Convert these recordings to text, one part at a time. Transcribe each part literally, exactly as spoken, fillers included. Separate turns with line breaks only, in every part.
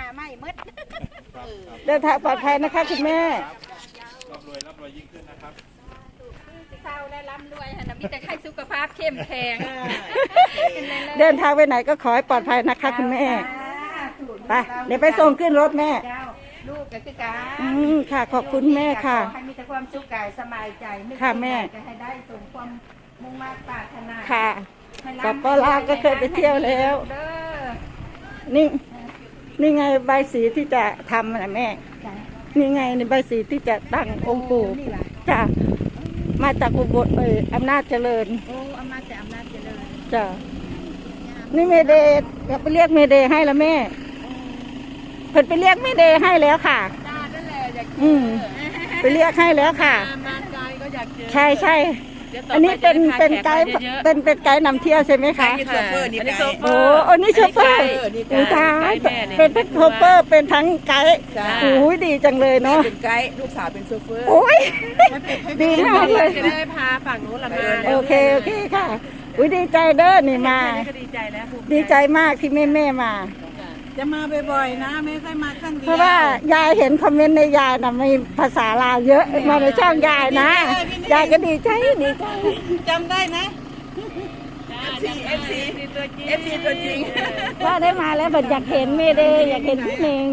ไม่มืด
เดินทางปลอดภัยนะคะคุณแม่
ร่ำรวยร่ำรวยยิ่งขึ้นนะครับ
เศร้าและร่ำรวยนะมีแต่ให้สุขภาพเข้มแข็ง
เดินทางไปไหนก็ขอให้ปลอดภัยนะคะคุณแม่ไปเดี๋ยวไปส่งขึ้นรถแม่
ลูกก็คือการ
อืมค่ะขอบคุณแม่ค่ะ
ให้มีแต่ความสุขกายสบายใจ
ค่ะแม่
จะให้ได้สมความมุ่งมั่นปรารถนา
ค่ะกับป้าลาก็เคยไปเที่ยวแล้วนี่นี่ไงใบสีที่จะทำนะแม่นี่ไงในใบสีที่จะตั้งองค์ปู่จ้ะมาจากอุบลเอออำนาจเจริญ
โอ้อำนาจแต่อำนาจเจริญ
จ้ะนี่เมเดย์อยากไปเรียกเมเดย์ให้แล้วแม่เพิ่นไปเรียกเมเดย์ให้แล้วค่ะ
จ้านั่นแหละอยาก
อืมไปเรียกให้แล้วค่ะ
มาไกลก็อยากเจอ
ใช่ใช่อันนี้เป็นเป็นไกด์เป็นเป็นไกด์นำเที่ยวใช่ไหมคะ
โชเฟอร์นี่ไกด์
โอ้อันนี้โชเฟอร์อุตายเป็นทั้งโชเฟอร์เป็นทั้งไกด์โอ้ยดีจังเลยเนาะ
เป็นไกด์ลูกสาวเป็นโชเฟอร์
โอ้ยดีมากเลย
จะได้พาฝั่งนู้นละมา
โอเคโอเคค่ะอุ้ยดีใจเด้อนี่มา
ดีใจแล้ว
ดีใจมากที่แม่แม่มา
จะมาบ่อยๆนะไม่ค่อยมาครั้งเดียว
เพราะว่ายายเห็นคอมเมนต์ในยายนะมีภาษาลาวเยอะมาในช่องยายนะยายก็ดีใจดีใจ
จำได้นะ เอฟ ซี เอฟ ซี ตัวจริง เอฟ ซี ตัวจริง
ว่าได้มาแล้วแบบอยากเห็นเมเดย์อยากเห็นพี่เน่ง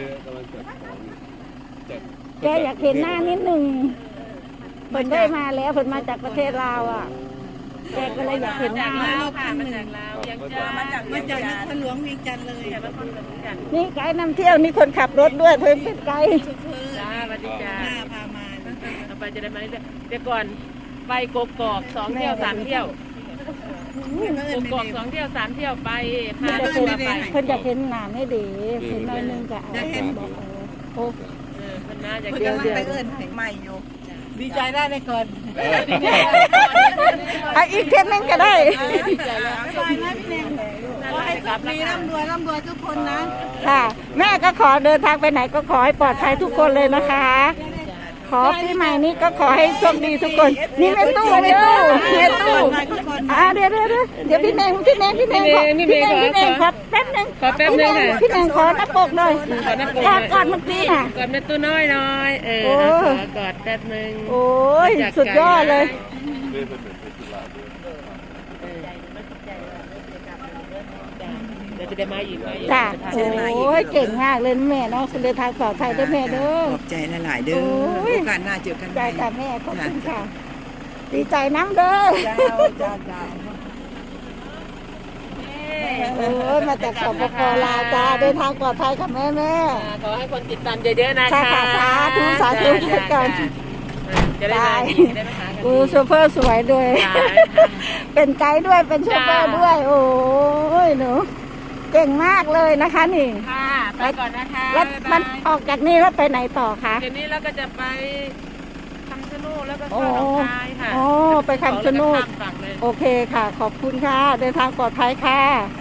แกอยากเห็นหน้านิดหนึ่งเพิ่นได้มาแล้วเพิ่นมาจากประเทศลาวอ่ะแกก็เลยอยากเห็นหน้า
มาค่ะมาจากลาวยังจะมาจากมาจากนครหลวงเวียงจันทร์เลยนครหลวงเวียงจันทร์
นี่ไกด์นำเที่ยวนี่คนขับรถด้วยเพิ่นเป็นไกด์
จ้าสวัสดีจ้าพามาต่อไปจะได้มาเรื่อยๆเดี๋ยวก่อนไปกกอกสองเที่ยวสามเที่ยวกกอกสองเที่ยวสามเที่ยวไปพาตัวไป
เพิ่นอยากเห็นหน้าไม่ดีเห็นน้อยนึงก็เอาบอกโอ้
เออเพิ่นน่าจะเดี๋ยวไปเอิ้นใหม่อยู่ดีใจได้เลยก่อน
ไออีกเทปนึงก็ได้
ดีใจแล้วใช่นะพี่เน่งขอให้สุขมีร่ำรวยร่ำรวยทุกคนนะ
ค่ะแม่ก็ขอเดินทางไปไหนก็ขอให้ปลอดภัยทุกคนเลยนะคะขอปีใหม่นี้ก็ขอให้โชคดีทุกคนนี่แม่ตู้แม่ตู้แม่ตู้อ่าเดี๋ยวเดี๋ยวเดี๋ยวพี่เน่งพี่เน่งพี่เน่งขอพี่เน่งพี่เน่งขอแป๊บนึง
ขอแป๊บนึงค่ะ
พี่เน่งขอหน้าปกหน่อยกอดกอดเมื่อกี้น่ะ
กอดแม่ตู้น้อยน้อยเออขอกอดแป๊บนึง
โอ้ยสุดยอดเลย
เดี๋ยวจะได้มาอีกไหม
จ้าโอ้ยเก่งมากเลยแม่เนาะคุณเดินทางปลอดภัยด้วยแม่เด้อ
ขอบใจหลายๆเด้อโอกาสหน้าเจอกัน
ใจกับแม่ขอบคุณค่ะดีใจน้ำเด้อ
จ้าจ้าจ้า
โอ้ยมาจากสปป.ลาวจ้าเดินทางปลอดภัยค่ะแม่แม่
ขอให้คนติดตามเยอะๆนะคะ
สาธุสาธุทุกคน
จะได้ได้ไหมคะ
อูโชเฟอร์สวยด้วยเป็นไกด์ด้วยเป็นโชเฟอร์ด้วยโอ้ยหนูเก่งมากเลยนะคะนี่
ค่ะไปก่อนนะคะ
แล้วมันออกจากนี่แล้วไปไหนต่อคะ
เดี๋ยวนี้เราก็จะไปคำชะโนดแล้วก็เข้าหนองคายค่ะ
โอ้ไปคำชะโนดโอเคค่ะขอบคุณค่ะเดินทางปลอดภัยค่ะ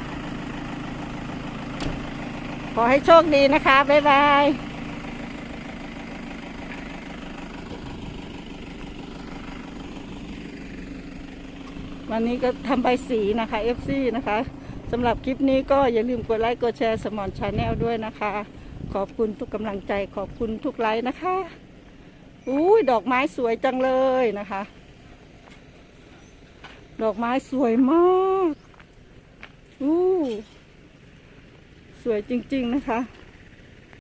ขอให้โชคดีนะคะบ๊ายบายวันนี้ก็ทำใบสีนะคะ เอฟ ซี นะคะสำหรับคลิปนี้ก็อย่าลืมกดไลค์กดแชร์สมอนชาแนลด้วยนะคะขอบคุณทุกกำลังใจขอบคุณทุกไลค์นะคะอุ้ยดอกไม้สวยจังเลยนะคะดอกไม้สวยมากอู้สวยจริงๆนะคะ